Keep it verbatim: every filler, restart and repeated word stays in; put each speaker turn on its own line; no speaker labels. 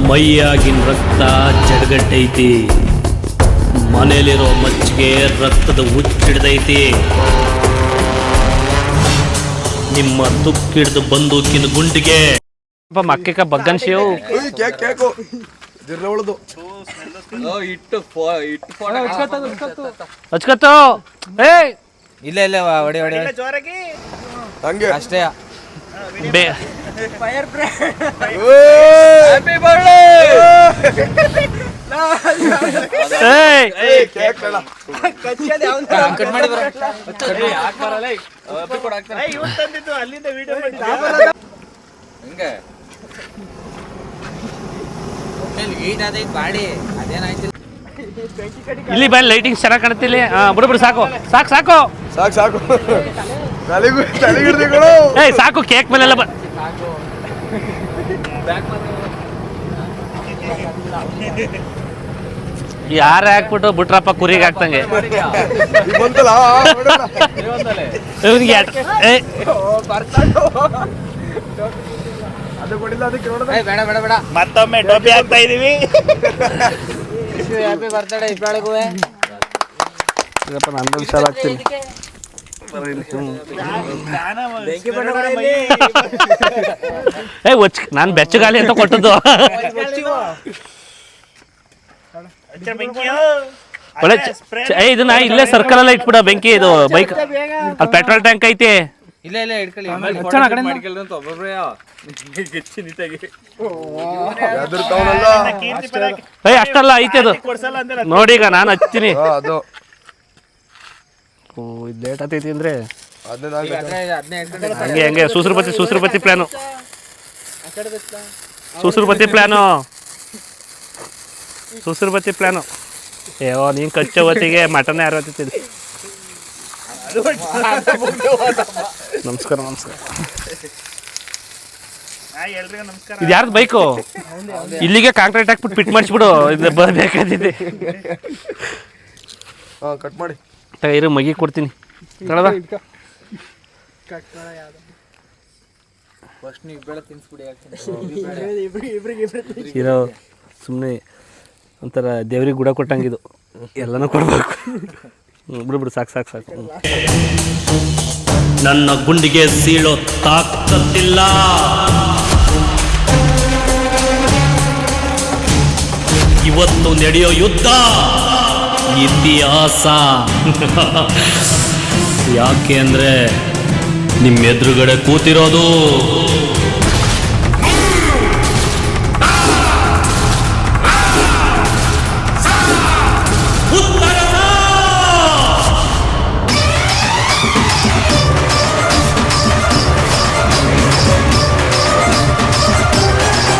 ಮೈಯಾಗಿನ ರಕ್ತ ಜಡಗಟ್ಟೈತಿ, ಮನೇಲಿರೋ ಮಚ್ಚಿಗೆ ರಕ್ತದ ಹುಚ್ಚಿಡ್ದೈತಿ. ನಿಮ್ಮ ತುಕ್ಕಿಡ್ದು ಬಂದೂಕಿನ ಗುಂಡಿಗೆ ಮಕ್ಕ ಬಗ್ಗನ್ ಶಿವ್ ಹಚ್ಕತ್ತು. ಏ
ಇಲ್ಲ ಇಲ್ಲ ಹೊಡಿ ಹೊಡಿ ಹಂಗೆ ಅಷ್ಟೇ.
ಇಲ್ಲಿ ಬಾ, ಲೈಟಿಂಗ್ ಚೆನ್ನಾಗಿ ಕಾಣುತ್ತಿಲ್ಲ. ಬಿಡು ಬಿಡು, ಸಾಕು ಸಾಕು ಸಾಕು
ಸಾಕು ಸಾಕು
ಏಯ್ ಸಾಕು, ಕೇಕ್ ಮೇಲೆಲ್ಲ ಬ ಯಾರ ಹಾಕ್ಬಿಟ್ಟು ಬಿಟ್ರಪ್ಪ ಕುರಿಗೆ ಹಾಕ್ತಂಗೆ.
ಮತ್ತೊಮ್ಮೆ ಟೋಪಿ ಹಾಕ್ತಾ ಇದೀವಿ.
ಹ್ಯಾಪಿ ಬರ್ತ್ಡೇ ಇಬ್ಬರಿಗೂ.
ನಂದು ಶಾಲ ಆಗ್ತೀನಿ.
ಏ ಒಚ್ ನಾನು ಬೆಚ್ಚಗಾಲಿ ಅಂತ ಕೊಟ್ಟದ್ದು. ಒಳ್ಳೆ ಏ ಇದನ್ನ ಇಲ್ಲೇ ಸರ್ಕಲ್ ಎಲ್ಲ ಇಟ್ಬಿಡ ಬೆಂಕಿ. ಇದು ಬೈಕ್ ಅಲ್ಲಿ ಪೆಟ್ರೋಲ್ ಟ್ಯಾಂಕ್ ಐತಿ.
ಇಲ್ಲ ಇಲ್ಲ ಇಟ್ಕೊಳ್ಳಿ.
ಏ ಅಷ್ಟಲ್ಲ ಐತಿ ಅದು. ನೋಡಿ ಈಗ ನಾನು ಹಚ್ತೀನಿ. ಓ ಇದು ಲೇಟ್ ಆಗ್ತೈತಿ ಅಂದ್ರೆ ಹಂಗೆ ಹಂಗೆ ಸೂಸ್ರಪತಿ ಸೂಸ್ರಪತಿ ಪ್ಲಾನು ಸೂಸ್ರಪತಿ ಪ್ಲಾನು ಸೂಸ್ರಪತಿ ಪ್ಲಾನು ಏವೋ ನೀನು ಕಚ್ಚೋ ಹೊತ್ತಿಗೆ ಮಟನ್ ಯಾರು ಹೊತ್ತಿದ್ದೆ. ನಮಸ್ಕಾರ ನಮಸ್ಕಾರ. ಇದು ಯಾರ್ದು ಬೈಕು? ಇಲ್ಲಿಗೆ ಕಾಂಕ್ರೀಟ್ ಹಾಕ್ಬಿಟ್ಟು ಫಿಟ್ ಮಾಡಿಸ್ಬಿಡು. ಇದು ಬೇಕಾದಿದೆ.
ಕಟ್ ಮಾಡಿ
ಇರು ಮಗಿ ಕೊಡ್ತೀನಿ. ತಳದ ಇರೋ ಸುಮ್ಮನೆ ಒಂಥರ ದೇವ್ರಿಗೆ ಗುಡ ಕೊಟ್ಟಂಗಿದು. ಎಲ್ಲನೂ ಕೊಡ್ಬೇಕು. ಬಿಡು ಬಿಡು, ಸಾಕು ಸಾಕು ಸಾಕು. ನನ್ನ ಗುಂಡಿಗೆ ಸೀಳೋ ತಾಕತ್ತಿಲ್ಲ. ಇವತ್ತು ನಡೆಯೋ ಯುದ್ಧ ಇತಿಹಾಸ. ಯಾಕೆ ಅಂದ್ರೆ ನಿಮ್ಮ ಎದುರುಗಡೆ ಕೂತಿರೋದು